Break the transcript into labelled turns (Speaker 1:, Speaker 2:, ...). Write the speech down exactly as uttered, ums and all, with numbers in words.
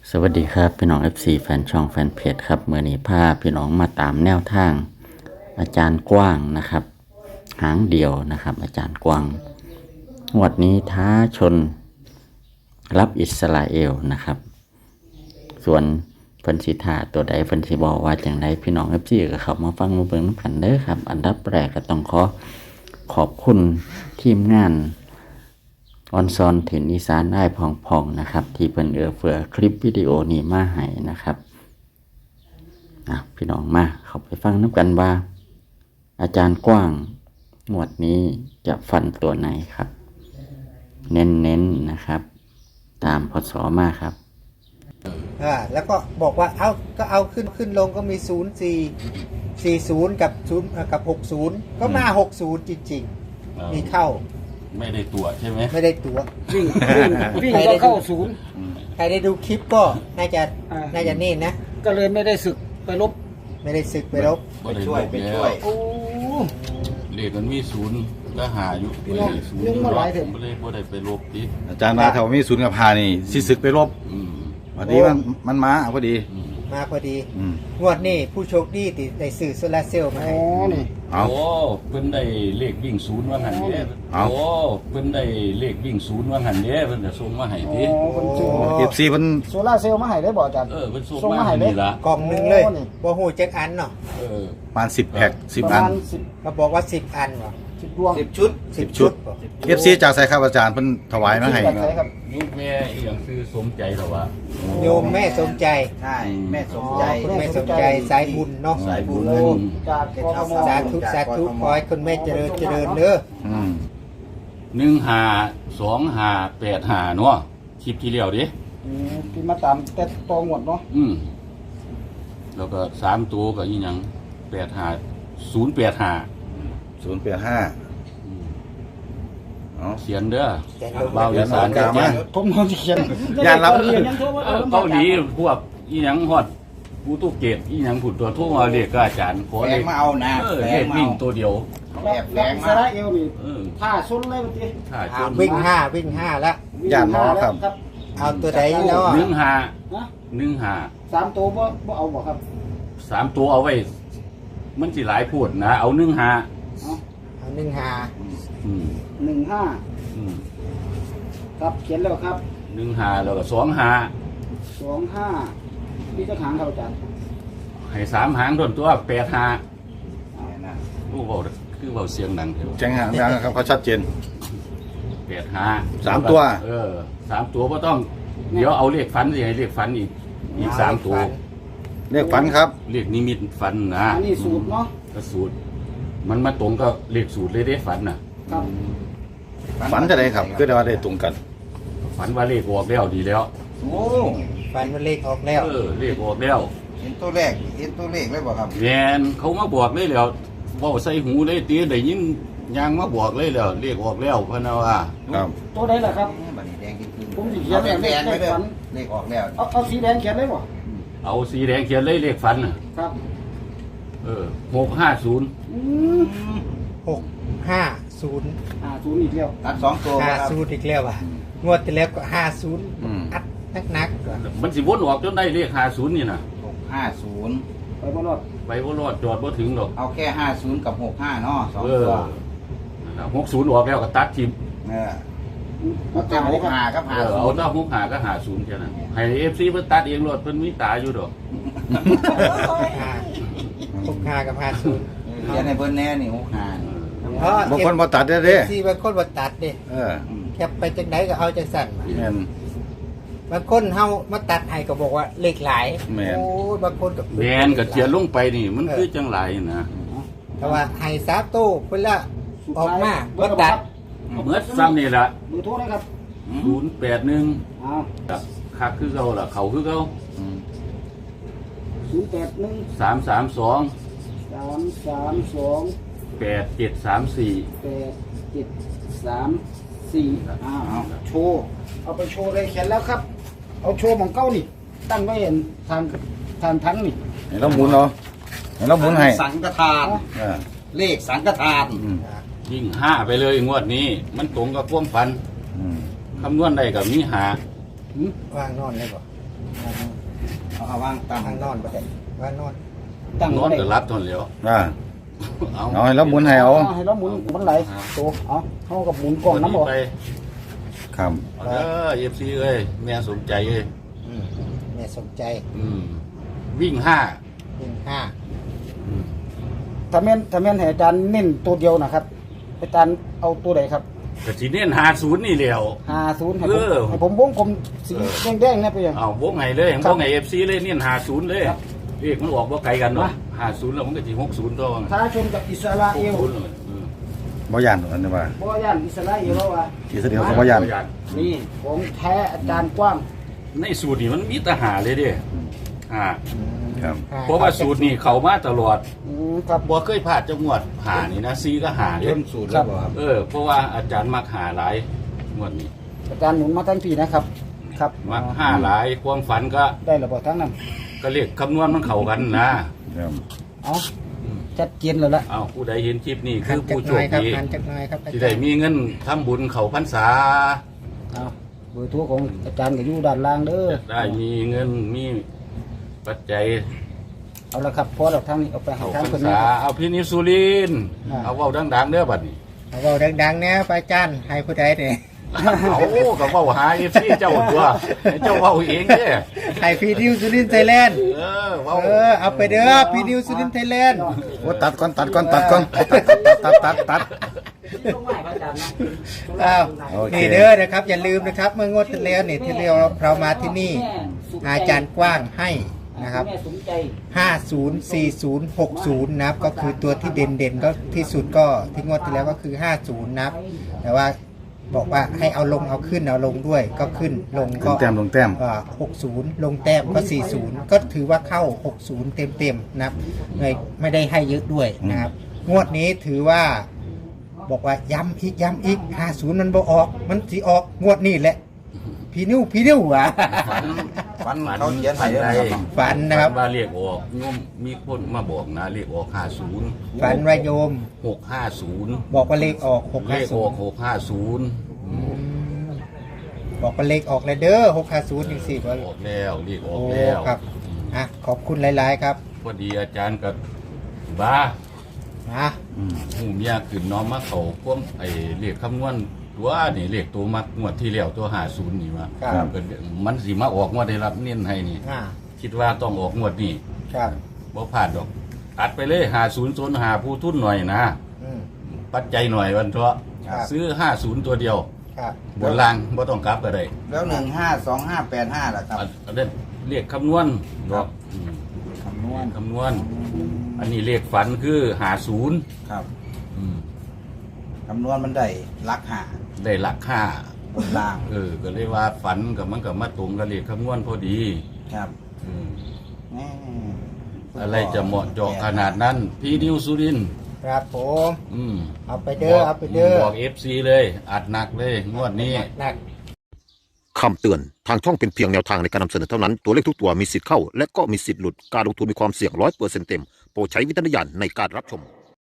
Speaker 1: สวัสดีครับพี่น้อง เอฟ ซี แฟนช่องแฟนเพจครับเมื่อนี้พาพี่น้องมาตามแนวทางอาจารย์กว้างนะครับหางเดียวนะครับอาจารย์กว้างงวดนี้ท้าชนรับอิสราเอลนะครับส่วนเพิ่นสิท่าตัวใดเพิ่นสิบอกว่าจังไดพี่น้อง เอฟ ซี ก็เข้ามาฟังมาเบิ่งนำกันเด้อครับอันดับแรกก็ต้องขอขอบคุณทีมงานออนซอนถิ่นอีสานได้พองๆนะครับที่เพิ่นเอื้อเฟื้อคลิปวิดีโอนี้มาให้นะครับนะพี่น้องมาเข้าไปฟังน้ำกันว่าอาจารย์กว้างงวดนี้จะฟันตัวไหนครับ เน้นๆ นนะครับ ตามพศมาครับ
Speaker 2: อ่าแล้วก็บอกว่าเอาก็เอาขึ้นขึ้นลงก็มีศูนย์สี่สี่ศูนย์กับศูนย์กับหกศูนย์ก็มาหกศูนย์จริงๆมีเข้า
Speaker 3: ไม่ได้ตัวใช่ไหม
Speaker 2: ไม่ได้ตัว
Speaker 4: วิ่งวิ่งวิ่งก็เข้าศูนย์
Speaker 2: ใครได้ดูคลิปก็น่าจะ
Speaker 4: อ่า
Speaker 2: น่าจะนี่นะ
Speaker 4: ก็เลยไม่ได้ศึกไปลบ
Speaker 2: ไม่ได้ศึกไปรบ
Speaker 3: ไปช่วยไปช่วย
Speaker 4: โอ้
Speaker 3: เลขมันมีศูนย์ก็หาอยู่
Speaker 4: พี่น้อง
Speaker 3: ศูนย์
Speaker 4: ยังมาหลายเถ
Speaker 3: ผ
Speaker 4: อะ
Speaker 3: มก็เลยบ่ได้ไปลบติ
Speaker 5: อาจารย์มาแถวมีศูนย์กับพานี่สิศึกไปรบ
Speaker 3: อืม
Speaker 5: วันนี้มันมันมาพอดี
Speaker 3: อืม
Speaker 2: มาพอดี
Speaker 5: อืม
Speaker 2: งวดนี้ผู้โชคดีติดได้สื่อโซลาร์เซลล์มา
Speaker 4: อ๋
Speaker 2: ให้
Speaker 4: อนี่
Speaker 5: เอา
Speaker 3: โอ้เพิ่นได้เลขวิ่งศูนย์ว่างั้นเด้
Speaker 5: เอา
Speaker 3: โอ้เพิ่นได้เลขวิ่งศูนย์ว่างั้นเด้เพิ่นจะส่งมาให้
Speaker 4: อ๋
Speaker 3: ติ
Speaker 4: อคนซื้อ
Speaker 5: เอฟซีมัน
Speaker 4: โซล่าร์เซลล์มาให้ได้บ่อาจารย์
Speaker 3: เออเพิ่นส่ง
Speaker 4: ส่ง
Speaker 3: มา
Speaker 4: มาให้
Speaker 3: ให้
Speaker 4: เลย
Speaker 3: นี่ล่ะ
Speaker 2: กล่องหนึ่งเลย
Speaker 4: โอ้นี่
Speaker 2: บ่ฮู้จักอันเนาะ
Speaker 3: เออ
Speaker 5: ประมาณสิบแพ็คสิบ
Speaker 4: ประ
Speaker 5: อัน
Speaker 4: มาณสิบ
Speaker 2: เขาบอกว่าสิบอันเหรอ
Speaker 4: สิบดวง
Speaker 2: สิบชุดสิบชุดบ่
Speaker 5: เอฟซีจากใส่ครับอาจารย์เพิ่นถวายมาให้
Speaker 4: สิบแบบไหนครับ
Speaker 3: ยุคแม่อีหยังคือสมใจแล้ววะ
Speaker 2: โยมแม่สมใจ
Speaker 6: ใช่แม่สม
Speaker 2: อ๋อ
Speaker 6: ใจ
Speaker 2: คุณแม่สมใจสายบุญเนาะ
Speaker 3: สายบุญ
Speaker 4: โอ้จากกทม
Speaker 2: สาธุสาธุขอให้คุณแม่เจริญเจริญเด้อ
Speaker 5: อืม
Speaker 3: หนึ่งห้าสองห้าแปดห้าเนาะคลิปที่แล้วดิ
Speaker 4: อืมที่มาตามแต่ตองหมดเนาะ
Speaker 3: อืมแล้วก็สามตัวก็อีหยังแปดห้าศูนย์แปดห้า
Speaker 5: ศูนย์แปดห้าเอา
Speaker 3: เขียนเด้อ
Speaker 2: แต่ลง
Speaker 3: เบาอีสาน
Speaker 5: กลางมา
Speaker 4: ผมนอนเขียน
Speaker 5: ย่านรับ
Speaker 4: เรียนยังโทรมา
Speaker 3: เออเกาหลีพวกอีหยังฮอดปูตุเกตอีหยังผุดตัวโทั่วมาเรียกกับอาจารย์ขอ
Speaker 6: แฝ
Speaker 3: เล
Speaker 6: ง
Speaker 3: ข
Speaker 6: มาเอานะ
Speaker 3: เออ
Speaker 6: แฝ
Speaker 3: เล
Speaker 6: ง
Speaker 3: ข
Speaker 6: มา
Speaker 3: วิ่ง
Speaker 6: เอา
Speaker 3: ตัวเดียว
Speaker 4: แอบแฝงอิสราเอลนี่
Speaker 3: เออ
Speaker 4: ท่าซุนเลยเมื่อกี้
Speaker 3: ถ้าช
Speaker 2: อ่าน วิ่งห้าวิ่งห้าแล้ว
Speaker 5: ย่านหมอครับ
Speaker 4: ครับ
Speaker 2: เอาตัวใดเนาะ
Speaker 3: หนึ่งห้า
Speaker 4: นะ
Speaker 3: หนึ่งห้า
Speaker 4: สามตัวบ่บ่เอาบ่ครับ
Speaker 3: สามตัวเอาไว้ มันสิหลายพูดนะ เอาหนึ่งห้า
Speaker 4: เอา
Speaker 2: เอาหนึ่งห้า
Speaker 3: อืม
Speaker 4: หนึ่งห้า
Speaker 3: อืม
Speaker 4: ครับเขียนแล้วครับ
Speaker 3: หนึ่งห้าแล้วก็สองห้า
Speaker 4: สองห้าพี่จะหางเขาอาจารย์
Speaker 3: ให้สามหางต้นตัวแปดห้าลูกเบาคือเบาเสียงดังเถอะ
Speaker 5: แจ้งหางนะครับเขาชัดเจน
Speaker 3: แปดห้า
Speaker 5: สามตัว
Speaker 3: เออสามตัวก็ต้อง เดี๋ยวเอาเลขฟันสิให้เลขฟันอีกอีกสามตัว
Speaker 5: เรียกฝันครับ
Speaker 3: เลขนิมิตฟันนะ
Speaker 4: อันนี้สูตรเนาะ
Speaker 3: ก็สูตร มันมาตรงก็เลขสูตรเลยได้ฝันน่ะ
Speaker 4: ครับ
Speaker 5: ฝันจะได้ครับคือได้ว่าได้ตรงกัน
Speaker 3: ฝันว่าเลขออกแล้วดีแล้ว
Speaker 6: โอ้
Speaker 2: ฟันมันเลขออกแล้ว
Speaker 3: เออเลขออกแล้ว
Speaker 6: เห็นตัวแรกเห็นตัวเลขเลยบ่ครับ
Speaker 3: แมนเขามาบอกเลยแล้วเว่าใส่หูเลยตีได้ยินยางมาบอกเลยแล้วเลขออกแล้วพะนาว่า
Speaker 5: ครับ
Speaker 4: ตัวไหนล่ะครับ
Speaker 6: บัดนี้แดงขึ้น
Speaker 4: ผมสิเขีย
Speaker 6: เอา
Speaker 4: น
Speaker 6: แดงๆไว้เด้อ
Speaker 4: เลขฝัน
Speaker 6: เลขออกแล้ว
Speaker 4: เอาเอาสีแดงเขียนได้บ่
Speaker 3: เอาสีแดงเขียนเลยเลขฝันน่ะ
Speaker 4: ครับ
Speaker 3: เออหกห้าศูนย์
Speaker 4: อืม
Speaker 2: หกห้าศูนย์
Speaker 4: อ่าศูนย์อีกแล้ว
Speaker 6: ตัดสองตัว
Speaker 2: ห้า
Speaker 6: ครับ
Speaker 2: ศูนย์อีกแล้วอ่ะงวดที่แล้วก็ห้าศูนย์
Speaker 5: อืม
Speaker 2: อัดนักนักๆก่อน
Speaker 3: มันสิวนออกจนได้เลขห้าศูนย์นี่น่ะ
Speaker 6: หกห้าศูนย์
Speaker 4: ไปบ่รอด
Speaker 3: ไปว่ารอดจอดว่ถึงหรอก
Speaker 6: เอาแค่ห้าศูนย์กับหกห้าเนาะสอง
Speaker 3: เออ
Speaker 6: ตัว
Speaker 3: หกศูนย์ออกแล้วก็ตัดทิม
Speaker 6: เออ
Speaker 4: เอา
Speaker 6: เอา
Speaker 4: จา
Speaker 6: แต่
Speaker 4: ก
Speaker 6: ห
Speaker 4: เลย
Speaker 6: ก
Speaker 4: ครับ
Speaker 6: ห้ากับ
Speaker 3: เอ
Speaker 6: ห้า
Speaker 3: อ
Speaker 6: ศู
Speaker 3: เอา
Speaker 6: นย์
Speaker 3: หน้าหกหาก็หาศูนย์แค่นั้นให้เอฟซีเพิ่นตัดเองรถเพิ่นมีตาอยู่ดอก
Speaker 2: ห้าหกห้ากับห้าศูนย์
Speaker 6: เขียนในเพิ่นแน่นี่หกห้า
Speaker 2: เพราะ
Speaker 5: บางคนบ่ตัดได้เด้
Speaker 2: ที่บางคนบ่ตัดเด้
Speaker 5: เออ
Speaker 2: แคปไปจังไดก็เอาจังสั่นมา
Speaker 5: แม่น
Speaker 2: บางคนเฮามาตัดให้ก็บอกว่าเลขหลาย
Speaker 5: แม่น
Speaker 2: โอ้ยบางคนก็
Speaker 3: แมนกับเทียนลงไปนี่ มันคือจังไรนะ
Speaker 2: แต่ว่าให้สามตู้เพิ่นละออกมา
Speaker 4: เบอ
Speaker 2: บ่
Speaker 4: ร์
Speaker 2: ตัด
Speaker 3: เมื่อซ้ำนี่ละ
Speaker 4: เบอร์โทรนะครับ
Speaker 3: ศูนย์แปดหนึ่ง
Speaker 4: อ้าว
Speaker 3: กับคักคือเขาล่ะเขาคือเขา
Speaker 5: อืม
Speaker 4: ศูนย์แปดหนึ่ง
Speaker 3: สามสามสอง
Speaker 4: สามสามสอง
Speaker 3: แปดเจ็ดสามสี่
Speaker 4: แปดเจ็ดสามสี่อ้าวเอาโชว์เอาไปโชว์เลยเขียนแล้วครับ เอาโชว์ของเก้านี่ ตั้งไว้เห็นทางทางทั้งนี่
Speaker 5: ให้เราหมุนเนาะให้เราหมุนให้
Speaker 6: สังฆทาน
Speaker 5: เออ
Speaker 6: เลขสังฆทาน
Speaker 5: อืม
Speaker 3: ยิ่งห้าไปเลยงวดนี้ มันตรงกับความฝัน
Speaker 5: อืม
Speaker 3: คำนวณได้กับมีหา
Speaker 4: หืม
Speaker 2: วางนอนเลยบ่
Speaker 3: ว
Speaker 6: เอาเอาว่างตั้ง
Speaker 2: ทางนอนประเด็นว่านอน
Speaker 4: ตั้ง
Speaker 3: นอน
Speaker 4: ไว้
Speaker 3: ก็รับทนแล้ว
Speaker 5: อ่า
Speaker 3: เอา
Speaker 5: เอาให้เราหมุนให้เอา
Speaker 4: ให้เราหมุนมันไหลตัวเอาเท่ากับหมุนกล่องน้ำบ่
Speaker 3: ไป
Speaker 5: ครับ
Speaker 3: เอาเด้อเอฟซีเอ้ยแม่สมใจเอ้ย
Speaker 2: อืมแม่สนใจ
Speaker 3: อืมวิ่งห้า
Speaker 2: หนึ่งห้า
Speaker 4: ถ้าแม่นถ้าแม่นให้อาจารย์เน้นตัวเดียวนะครับอาจารย์เอาตัวไหนครับ
Speaker 3: กระสีเน้นหาศูนย์นี่แล้ว
Speaker 4: ห้าศูนย์ให้
Speaker 3: เอ
Speaker 4: ผม
Speaker 3: อ
Speaker 4: ให้ผมวงกลมสีแดงๆเนี่ยไปยัง
Speaker 3: เอาวงไห้เลยวงไห้เอฟซีเลยเน้นหาศูนย์เลย
Speaker 4: ครับ
Speaker 3: เรียกมันออกว่าไกลกันเนาะ
Speaker 4: มา
Speaker 3: หาศูนย์แล้วมันก็จีหกศูนย์ตัว
Speaker 4: ท้าชนกับอิสราเอล
Speaker 3: ศูนย์เลยอืม
Speaker 5: บ่ย่านตรงนั้นนี่ว่า
Speaker 4: บ่ย่านอิสราเอลแล้วว่ะ
Speaker 5: ที่สุดเขาบ่ย่าน
Speaker 4: นี่ของแท้อาจารย์กว้าง
Speaker 3: ในสูตรนี่มันมีแตหาเลยเด้อ่า
Speaker 5: ครับ
Speaker 3: เพราะว่าสูตรนี่เขามาตลอด
Speaker 4: อืมครับ
Speaker 3: บ่เคยพลาดจังหวัดหานี่นะซีก็หาเด้
Speaker 6: ต้นสูตรแล้วบ่ครับ
Speaker 3: เออเพราะว่าอาจารย์มักหาหลายงวดนี้
Speaker 4: อาจารย์หมุนมาทั้งปีนะครับ ครับ
Speaker 3: มักห้าหลายความฝันก็
Speaker 4: ได้ระบบทั้งนั้น
Speaker 3: ก็เรียกคำนวณมันเข้ากันนะ
Speaker 5: ครับ
Speaker 4: เอาชัดเจนเลยละ
Speaker 3: เอาผู้ใดเห็นคลิปนี้
Speaker 2: หั
Speaker 3: คื
Speaker 2: น
Speaker 3: อ
Speaker 2: จาก
Speaker 3: ผู้โช
Speaker 2: หน้อ
Speaker 3: ค
Speaker 2: ยครับ
Speaker 3: ดี
Speaker 2: หันจากหน้อยครับอา
Speaker 3: ที่
Speaker 2: จา
Speaker 3: ได้
Speaker 2: รย์
Speaker 3: มีเงินทำบุญเขาพรรษา
Speaker 4: เอาเบอร์โทรของอาจารย์ก็อยู่ด้านล่างเด้อ
Speaker 3: ได้มีเงินมีปัจจัย
Speaker 4: เอาละครับพอเราทางนี้เอาไปหา
Speaker 3: เขา
Speaker 4: ทาง
Speaker 3: พร
Speaker 4: คน
Speaker 3: ร
Speaker 4: นี้
Speaker 3: ษาเอาพี่นิสุรินทร์
Speaker 4: อ่า
Speaker 3: เอาเว้าดังๆเด้อบัดนี้
Speaker 2: เอาเว้าดังๆเนี่ยพระอาจารย์ให้ผู้ใดเนี่ย
Speaker 3: เอาก็เว้าหาเอฟซีเจ้าตัวให้เจ้าเว้าเองเด้อ
Speaker 2: ให้พี่นิวสุรินทร์ไทยแลนด์
Speaker 3: เออเว้า
Speaker 2: เออเอาไปเด้อพี่นิวสุรินทร์ไทยแลนด์
Speaker 5: โอ้ตัดก่อนตัดก่อนตัดก่อนตัดตัดตัดตัด
Speaker 4: ต้องไหว้พระอาจารย์นะ
Speaker 2: อ้าว
Speaker 5: โอเค
Speaker 2: นี่เด้อนะครับ อย่าลืมนะครับ เมื่องวดที่แล้วเนี่ยที่เราเรามาที่นี่ อาจารย์กว้างให้นะครับ
Speaker 4: แม่สมใจ
Speaker 2: ห้าศูนย์ สี่ศูนย์ หกศูนย์นะครับก็คือตัวที่เด่นเด่นๆก็ที่สุดก็ที่งวดที่แล้วก็คือห้าศูนย์นะครับแต่ว่าบอกว่าให้เอาลงเอาขึ้นเอาลงด้วยก็ขึ้นลง
Speaker 5: ล
Speaker 2: ก็
Speaker 5: งแต้มลงแต้ม
Speaker 2: หกศูนย์ลงแต้มก็สี่ศูนย์ก็ถือว่าเข้าหกศูนย์เต็มเต็มๆนะครับเลยไม่ได้ให้เยอะด้วยนะครับ งวดนี้ถือว่า บอกว่าย้ำอีกย้ำอีกห้าศูนย์มันบ่ออกมันสิออกงวดนี้แหละพี่นิ้วพี่นิ้วอ่ะ
Speaker 6: ฟันเขาเขียนให้เลยนะครับ
Speaker 2: ฝันนะครับ
Speaker 3: ว่าเรียกออกโยมมีคนมาบอกนะเรียกออกห้าศูนย์
Speaker 2: ฝันว่าโยม
Speaker 3: หกห้าศูนย์
Speaker 2: บอกว่าเลขออกหก
Speaker 3: เล
Speaker 2: ห้า
Speaker 3: ข
Speaker 2: ศู
Speaker 3: อน อก
Speaker 2: ย์
Speaker 3: หกห้าศูนย์
Speaker 2: บอกว่าเลขออกแล้วเด้อหกห้าศูนย์จริงสิว่า
Speaker 3: ออกแล้วเรียกออก
Speaker 2: โอ้
Speaker 3: แล้ว
Speaker 2: ครับอ่ะขอบคุณหลาย ๆ ครับ
Speaker 3: พอดีอาจารย์กับบ้า
Speaker 2: นะ
Speaker 3: หูเมียขึ้นน้อมมาเขาพวกไอ้เรียกคำนวณตัวนี่เรียกตัวมักงวดที่แล้วตัวห้าศูนย์นี่มา
Speaker 2: ครับ
Speaker 3: ก็มันสิมาออกงวดได้รับเน้นให้นี่
Speaker 2: อ่า
Speaker 3: คิดว่าต้องออกงวดนี้
Speaker 2: ครับ
Speaker 3: บ่พลาดดอกอัดไปเลยห้าศูนย์โซนหาผู้ทุนหน่อยนะ
Speaker 2: อืม
Speaker 3: ปัจจัยหน่อยวันเถอะ
Speaker 2: ครับ
Speaker 3: ซื้อห้าศูนย์ตัวเดียว
Speaker 2: ครับ
Speaker 3: บนล่างบ่ต้องกลับก็ได้
Speaker 6: แล้วหนึ่งห้าสองห้าแปดห้าล่ะครับ
Speaker 3: อันอันนั้นเรียกคำนวณดอกอืม
Speaker 6: คำนวณ
Speaker 3: คำนวณ อันนี้เรียกฝันคือหาศูนย์
Speaker 6: ครับ
Speaker 3: อืม
Speaker 6: คำนวณมันได้ลักหา
Speaker 3: ได้หลักห้า
Speaker 6: บนล่าง
Speaker 3: เออ ก็เลยว่าฝันกับมันกับมาตรงกับเรียกคำนวณพอดี
Speaker 6: ครับ
Speaker 3: อืม
Speaker 6: แหม่
Speaker 3: อะไรจะเหมาะเจาะขนาดนั้น พี่นิวสุรินทร์
Speaker 2: ครับผม
Speaker 3: อืม
Speaker 2: เอาไปเด้อเอาไปเด้อ
Speaker 3: บอกเอฟซีเลย อัดหนักเลย งวดนี้
Speaker 2: หนัก
Speaker 7: คำเตือน ทางช่องเป็นเพียงแนวทางในการนำเสนอเท่านั้น ตัวเลขทุกตัวมีสิทธิ์เข้า และก็มีสิทธิ์หลุด การลงทุนมีความเสี่ยงร้อยเปอร์เซ็นต์เต็ม โปรดใช้วิจารณญาณในการรับชม